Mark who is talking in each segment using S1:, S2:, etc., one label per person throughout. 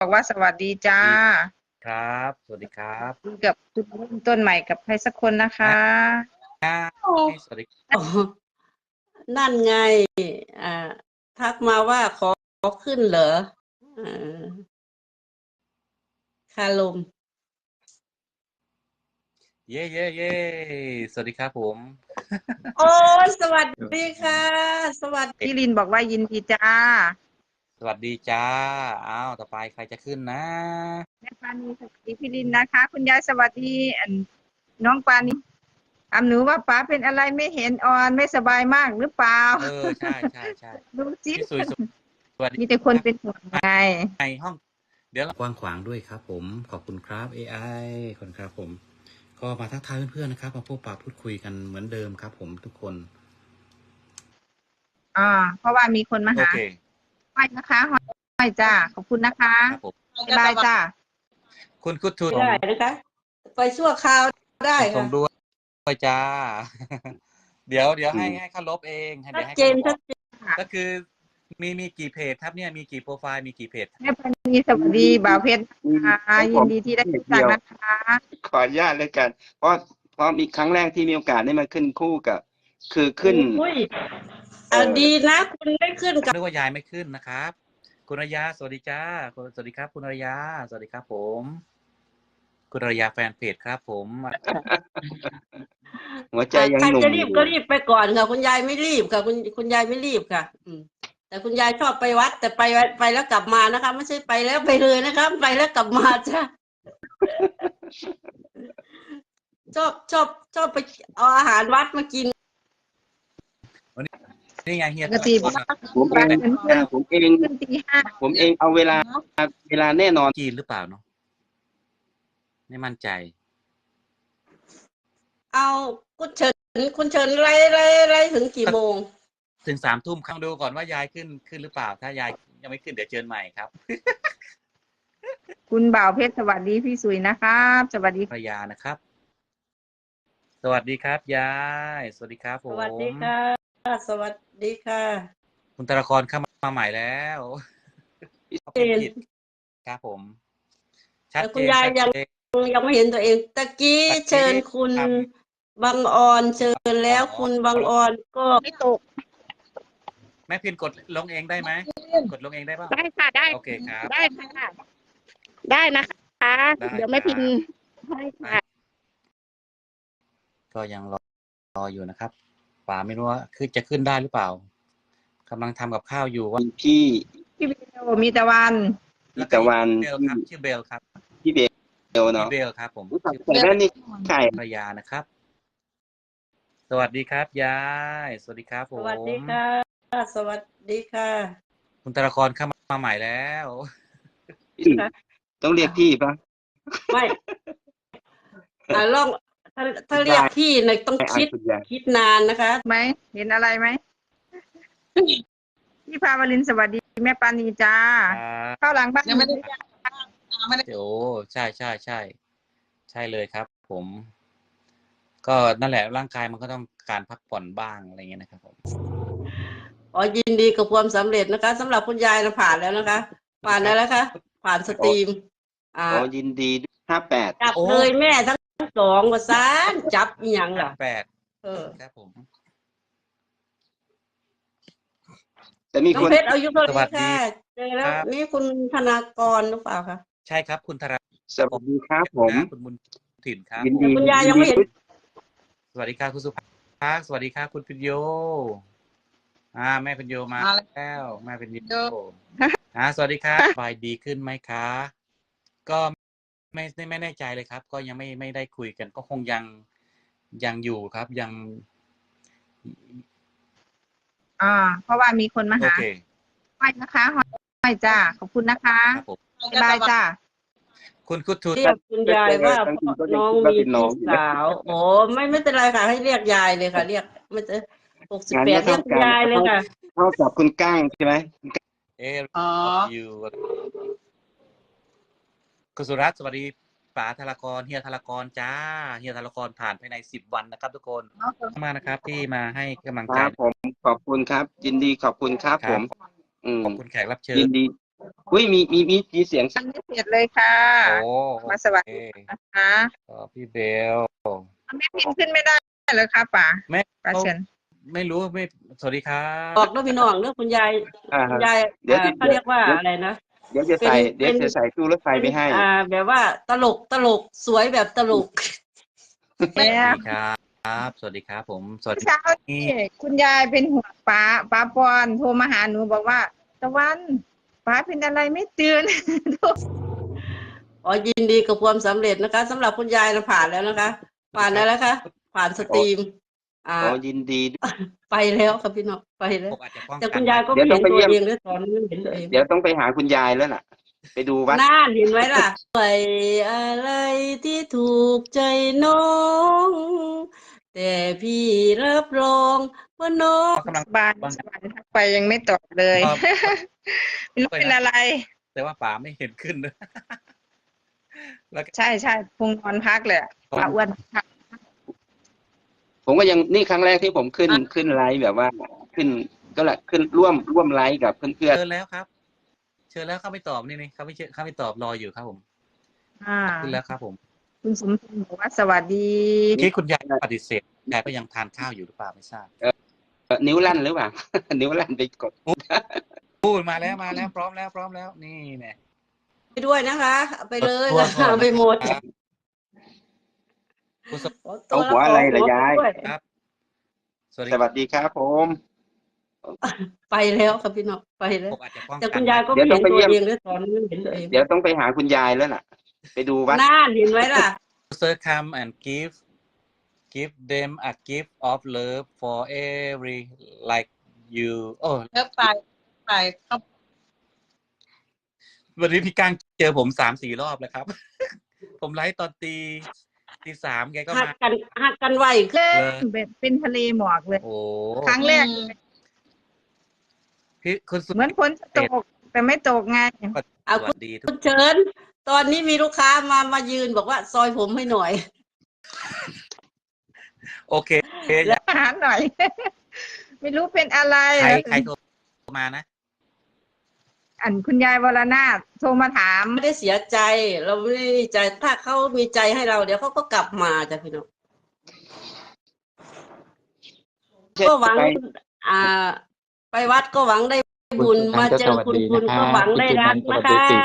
S1: บอกว่าสวัสดีจ้า
S2: ครับสวัสดีครับ
S1: กับจุดเริ่มต้นใหม่กับใครสักคนนะคะ
S2: สวัสดี
S3: อ๋อนั่นไง อ่า ทักมาว่าขอขึ้นเหรออ่าคาลม
S2: เย่เย่เย่สวัสดีครับผม
S3: โอ้สวัสดีค่ะ สวัสดี
S1: พี่ลินบอกว่ายินดีจ้า
S2: สวัสดีจ้าอ้าวต่อไปใครจะขึ้นนะ
S1: แม่ปานีสวัสดีพี่ลินนะคะ คุณยายสวัสดีน้องปานีหนูว่าป๋าเป็นอะไรไม่เห็นอ่อนไม่สบายมากหรือเปล่า
S2: ใช่ใช่ใช่
S1: ดูสิ
S2: พี่สุยสวัสดี
S1: มีแต่คนเป็นห่วงไง
S2: ในห้องเดี๋ยวกว้างขวางด้วยครับผมขอบคุณครับ AI ขอบคุณครับผมก็มาทักทายเพื่อนๆนะครับมาพบปะพูดคุยกันเหมือนเดิมครับผมทุกคน
S1: เพราะว่ามีคนมา
S2: โอ
S1: หา
S2: เค
S1: ห้อยนะคะห้อยจ้าขอบคุณนะคะ
S2: ครับผม
S1: บ๊ายบายจ้า
S2: คุณกุทู
S3: ได้นะคะ ไปชั่วคราวได้
S2: ช
S3: ค่ะ
S2: มด้วยจ้า เดี๋ยวให้เขาลบเองเดี๋
S3: ชั
S2: ยวให้
S3: ดเจ
S2: เขา
S3: น
S2: ลบอ
S3: ชั
S2: อ
S3: ด
S2: ก
S3: เจน
S2: ก็คือมีกี่เพจครับเนี่ยมีกี่โปรไฟล์มีกี่เพจ
S1: แม่ปานีสวัสดีบ่าวเพชรนะคะยินดีที่ได้รู้จักนะคะ
S4: ขออนุญาตเลยกัน เพราะมีครั้งแรกที่มีโอกาสได้มาขึ้นคู่กับ คือขึ้น
S3: อุ้ยดีนะ คุณได้ขึ้นกับ
S2: นึกว่ายายไม่ขึ้นนะครับ คุณอารยาสวัสดีจ้าสวัสดีครับ คุณอารยาสวัสดีครับผม คุณอารยาแฟนเพจครับผม
S4: หัวใจยัง
S3: ใคร
S4: หนุ่ม
S3: จะรี
S4: อบ ยู่
S3: ก็รีบไปก่อนค่ะ คุณยายไม่รีบค่ะ คุณยายไม่รีบค่ะ แต่คุณยายชอบไปวัด แต่ไปแล้วกลับมานะคะ ไม่ใช่ไปแล้วไปเลยนะคะไปแล้วกลับมาจ้ะ ชอบไปเอาอาหารวัดมากิน
S2: นี่ไงเฮีย
S1: ปกติ
S4: ผมเอง
S1: ขึ้นตีห้า
S4: ผมเองเอาเวลาแน่นอน
S2: จีนหรือเปล่าเนาะไม่มั่นใจ
S3: เอาคุณเชิญไล่ถึงกี่โมง
S2: ถึง3 ทุ่มครั้งดูก่อนว่ายายขึ้นหรือเปล่า ถ้ายายยังไม่ขึ้นเดี๋ยวเชิญใหม่ครับ
S1: คุณบ่าวเพชรสวัสดีพี่สุยนะครับสวัสดี
S2: ภรรยานะครับ สวัสดีครับยายสวัสดีครับผ
S3: ส
S2: ม
S3: วัสดีค่ะ สวัสดีค่ะ
S2: คุณตรกรเข้ามาใหม่แล้ว
S3: เจน
S2: ผิดครับผม ชัด
S3: แต่
S2: เจ
S3: คุณ
S2: น
S3: ยาย
S2: ชัด
S3: ยัง
S2: เจน
S3: ยังไม่เห็นตัวเองตะกี้เชิญคุณ
S2: ครับ
S3: บางออนเชิญแล้วคุณบางออนก็
S1: ไม่ตก
S2: แม่พินกดลงเองได้ไหมกดลงเองได้ป่ะ
S1: ได้ค่ะได้
S2: โอเคครับ
S1: ได้ค่ะได้นะคะ
S2: ได้
S1: เดี๋ยวแม่พิน
S2: ครับ
S1: ให้ค่ะ
S2: ก็ยังรออยู่นะครับป๋าไม่รู้ว่าจะขึ้นได้หรือเปล่ากำลังทำกับข้าวอยู่ว่า
S4: พี่
S1: พี่เบลมีตะวัน
S4: พี่ตะวัน
S2: เบลครับชื่อเบลครับ
S4: พี่เบล
S2: พี่
S4: เนาะ
S2: เบลครับผม
S4: รู้จักใส่แว่นนี่ใคร
S2: ภรรยานะครับ สวัสดีครับยายสวัสดีครับผ
S3: ส
S2: ม
S3: วัสดีค่ะ สวัสดีค่ะ
S2: คุณตรกรเข้ามาใหม่แล้ว
S4: ต้องเรียกพี่ปะ
S3: ไม่ลองถ้าเรียกพี่เนี่ยต้อง
S4: คุณยาย
S3: คิดนานนะคะ
S1: ไหมเห็นอะไรไหมพี่พาวลินสวัสดีแม่ปานีจ้า
S2: ครับ
S1: เข้าหลังบ้าน
S5: ยังไม่ได้
S2: โอ้ใช่ใช่เลยครับ ผม ก็นั่นแหละร่างกายมันก็ต้องการพักผ่อนบ้างอะไรเงี้ยนะครับผม
S3: ยินดีกับความสำเร็จนะคะสำหรับคุณยายนะผ่านแล้วนะคะ ผ่านแล้วนะคะผ่านสตรีม
S4: ยินดี58
S3: จับเลยแม่ทั้งสองว่าซานจับอหย่างล่ะ
S2: 8ครับผม
S4: แต่มี
S3: น้อ
S4: ค
S3: ง
S4: น
S3: เพชรอายุเท่าไห
S2: สวั
S3: ร่
S2: สดี
S3: ค่ะเจอแล้ว
S2: ครับ
S3: นี่คุณธนากรหรือเปล่าคะ
S2: ใช่ครับคุณธรา
S4: สวัสดีครับผม
S2: คุณบุญถิ่นครับ
S4: ยินดี
S3: คุณยายยังไม่เห็น
S2: สวัสดีครับคุณสุภาพสวัสดีครับคุณพิญโยแม่พิญโยมาแล้วแม่พิญโยสวัสดีครับสบายดีขึ้นไหมคะก็ไม่แน่ใจเลยครับ ก็ยังไม่ได้คุยกันก็คงยังอยู่ครับยัง
S1: เพราะว่ามีคนมา
S2: โอ
S1: หา
S2: เค
S1: ห้อยนะคะห้อยจ้าขอบคุณนะคะ
S2: ครับผม
S1: บ๊ายบายจ้า
S2: คุณกุทู
S3: เรียกคุณยายว่าน้องมีพี่สาวโอ้ไม่เป็นไรค่ะให้เรียกยายเลยค่ะ เรียกไม่จะ68
S4: งาน
S3: เรียกคุณยายเลยค่ะ
S4: เท่ากับคุณก้างใช่ไหม
S5: อ๋อ
S2: อยู่คุณสุรัตน์สวัสดีป๋าธารกรเฮียธารกรจ้าเฮียธารกรผ่านภายใน10 วันนะครับ ทุกคนมากนะครับที่มาให้กำลัง
S4: ค
S2: ใจ
S4: รับผมขอบคุณครับ ยินดีขอบคุณครับผม
S2: ขอบคุณแขกรับเชิ
S4: ยิ
S2: ญ
S4: นดีอุ้ยมีเสียง
S1: ยังไม่เสร็จเลยค่ะ
S2: โอ้
S1: มาสวัส
S2: โอ
S1: ดี
S2: เค
S1: นะคะ
S2: พี่เบล
S1: แม่พิมพ์ขึ้นไม่ได้เลยค่ะป่า
S2: แม่
S1: ป่าเชิญ
S2: ไม่รู้ไม่สวัสดีครั
S3: บอกแล้วพี่น้องเรื่องคุณยาย
S4: อ่า
S3: คุณยาย
S4: เดี๋ยว
S3: เขาเรียกว่าอะไรนะ
S4: เดี๋ยวจะใส่เดี๋ยวจะใส่ตู้รถไฟไปให้
S3: แบบว่าตลกสวยแบบตลก
S2: สวัสดีครับสวัสดีครับผมสวัสดี
S1: เช้าที่คุณยายเป็นห่วงป้าปอนโทรมาหาหนูบอกว่าตะวันป้าเป็นอะไรไม่ตื่น
S3: อ๋อยินดีกับความสำเร็จนะคะสำหรับคุณยายนะผ่านแล้วนะคะ ผ่านแล้วนะคะผ่านสตรีม
S4: อ๋อยินดีด้วย
S3: ไปแล้วครับพี่น้องไปแล้ว
S2: ผมอาจจะป้อง
S3: แต่
S2: กั
S3: คุ
S2: น
S3: ณยายก็
S4: เดี๋
S3: ไม่
S4: ยวต้
S3: เห็
S4: อน งไป
S3: ตัว
S4: เยี่ยม
S3: เองด้วยตอนนี้ไม่เห็นตัวเอง
S4: เดี๋ยวต้องไปหาคุณยายแล้วล่ะ ไปดูวัด
S3: น่าเห็นไหมล่ะไปอะไรที่ถูกใจน้อง แต่พี่รับรองว่าน้อง
S2: กำลัง
S1: บ้านสวรรค์ทักไปยังไม่ตอบเลย ไม่รู้เป็นอะไร
S2: แต่ว่าป๋าไม่เห็นขึ้นเลย แล้วก็
S1: ใช่คงนอนพักเลยอะป้าอ้วนพัก
S4: ผมก็ยังนี่ครั้งแรกที่ผมขึ้นไลฟ์แบบว่า ขึ้นก็แหละขึ้นร่วมไลฟ์กับเพื่อน
S2: เชิญแล้วครับ เชิญแล้วเขาไม่ตอบนี่เขาไม่ตอบรออยู่ครับผม ขึ้นแล้วครับผม
S1: คุณสมพงศ์บอกว่าสวัสดี
S2: ที่คุณยายปฏิเสธยายก็ยังทานข้าวอยู่หรือเปล่าไม่ทราบ
S4: ๆนิ้วลั่นหรือเปล่า นิ้วลั่นไปกด
S2: พูดมาแล้วพร้อมแล้วนี่แน่
S3: ไปด้วยนะคะเอาไปเลย
S2: ตัวก่อน
S3: เอาไปหมด
S2: ครับคุณสม
S4: เอาหัวอะไรล่ะยาย
S3: ด้วย
S2: ครับ สวัสดี
S4: สวัสดีครับผม
S3: ไปแล้วครับพี่น้องไปแล้ว
S2: ผมอาจจะป้อง
S3: แต่
S2: กั
S3: คุ
S2: น
S3: ณยายก็
S4: เดี๋
S3: ไม่
S4: ยวต้
S3: เห็
S4: อน งไป
S3: ตัว
S4: เยี่ยม
S3: เองด้วยตอนนี้ไม่เห็นตัวเอง
S4: เดี๋ยวต้องไปหาคุณยายแล้วล่ะ ไปดูวัด
S3: น่าเห็นไหมล่ะ
S2: Sir come and give them a gift of love for every like you โอ้
S3: แล้วไปครับ
S2: วันนี้พี่ก้างเจอผม3-4 รอบแล้วครับ ผมไลฟ์ตอนตี 3แกก็
S3: หัก
S2: มา
S3: กันไวขึ้น
S1: เล่นเป็นทะเลหมอกเลย
S2: โอ้
S1: ครั้งแรก
S2: พี่คุณสุ
S1: เหมือนฝนจะตก แต่ไม่ตกไง
S3: เอา
S2: สวัสดีทุ
S3: คุ
S2: ก
S3: ณเชิญ ตอนนี้มีลูกค้ามายืนบอกว่าซอยผมให้หน่อย
S2: โอเค
S1: แล้วหาหน่อย ไม่รู้เป็นอะไร
S2: ใครโทรมานะ
S1: อันคุณยายวรนาถโทรมาถาม
S3: ไม่ได้เสียใจ เราไม่ได้ใจถ้าเขามีใจให้เราเดี๋ยวเขาก็กลับมาจ้ะพี่น้องก็หวังไปวัดก็หวังได้บุญมาเจอคุณก็หวังได้รักนะคะ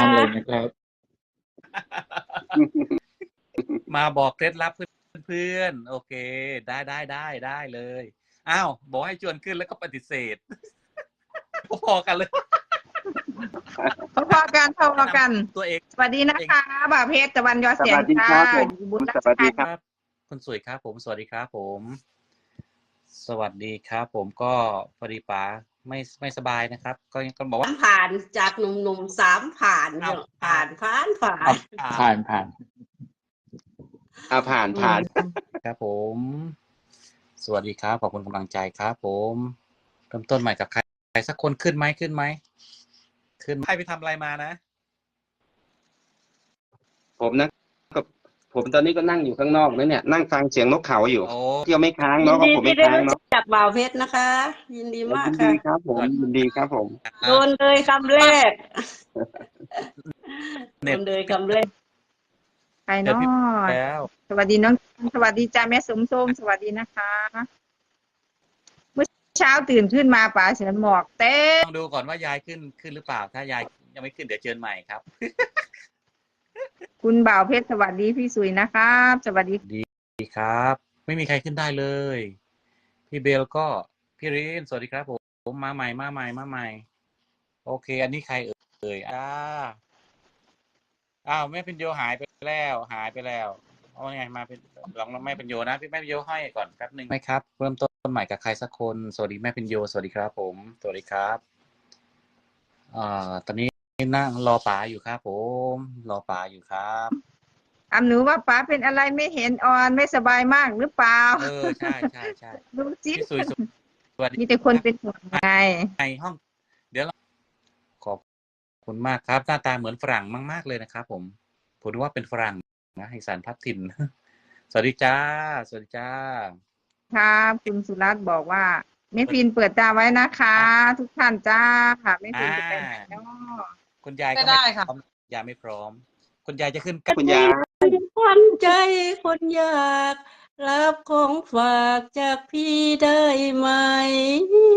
S2: มาบอกเคล็ดลับเพื่อนๆโอเค ได้เลยอ้าวบอกให้ชวนขึ้นแล้วก็ปฏิเสธ พอกันเลย
S1: พอกัน
S2: ตัวเอง
S1: สวัสดีนะคะบ่าวเพชรตะวันยอ
S4: ส
S1: เสียง
S4: วัสดี
S1: ค่ะ
S4: ครับผม
S1: อยู่บุญรั
S4: สวัสดีค
S2: ครับ รับคุณสวยครับผมสวัสดีครับผม สวัสดีครับผมก็พอดีป๋าไม่สบายนะครับ ก็บอกว่า
S3: ผ่านจากหนุ่มๆ3ผ่านเนี่ยผ่าน
S4: ผ่าน
S2: ครับผม สวัสดีครับขอบคุณกำลังใจครับผมเริ่มต้นใหม่กับใครสักคนขึ้นไหมขึ้นใครไปทำอะไรมานะ
S4: ผมนะก็ผมตอนนี้ก็นั่งอยู่ข้างนอกนะเนี่ยนั่งฟังเสียงนกเขาอยู่
S2: โอ้
S4: เที่ยวไม่ค้าง
S3: ยิ
S4: เนาะ
S3: น
S4: ก็
S3: ดี
S4: ผม
S3: ที่
S4: ไม่
S3: ได้
S4: ค้าง
S3: รู้
S4: เนาะ
S3: จักบ่าวเพชรนะคะ ยินดีมาก
S4: ยิน
S3: ค่ะ
S4: ดีครับผมยินดีครับผม
S3: โดนเลยคำแรกโดนเลยคำแรก
S1: ใคร
S2: เดี๋ยว
S1: เนาะ
S2: พี่แล้ว
S1: สวัสดีน้องสวัสดีจ้าแม่สมส้มสวัสดีนะคะเมื่อเช้าตื่นขึ้นมาป่าเสียงหมอกเต็ม
S2: ต้องดูก่อนว่ายายขึ้นหรือเปล่า ถ้ายายยังไม่ขึ้นเดี๋ยวเชิญใหม่ครับ
S1: คุณบ่าวเพชรสวัสดีพี่สุยนะครับสวัสดี
S2: ดีครับ ไม่มีใครขึ้นได้เลย พี่เบลก็พี่รินสวัสดีครับผมมาใหม่โอเค อันนี้ใครเอ่ยอ้าวแม่เป็นโยหายไปแล้วเอาไงมาเป็นลองแม่เป็นโยนะพี่แม่เป็นโยให้ก่อนแป๊บนึงไหมครับเริ่มต้นใหม่กับใครสักคนสวัสดีแม่เป็นโยสวัสดีครับผมสวัสดีครับตอนนี้นั่งรอป๋าอยู่ครับผมรอป๋าอยู่ครับ
S1: หนูว่าป้าเป็นอะไรไม่เห็นออนไม่สบายมากหรือเปล่า
S2: ใช่
S1: ดูสิ
S2: พี่สุยสวัสดี
S1: มีแต่คนเป็นห่วงไง
S2: ในห้องเดี๋ยวเราขอบคุณมากครับหน้าตาเหมือนฝรั่งมากๆเลยนะครับผมว่าเป็นฝรั่งนะอีสานพัฒถิ่น สวัสดีจ้า
S1: ครับคุณสุรัตน์บอกว่าแม่ฟินเปิดตาไว้นะคะ ทุกท่านจ้าค่ะแม่ฟินจะไปไหนเนาะ
S2: คุณยายก็
S5: ไม่ได้ค่ะ
S2: พร้อมยายไม่พร้อม คุณยายจะขึ้น
S4: คุณยาย
S3: ควันใจคนอยากรับของฝากจากพี่ได้ไหม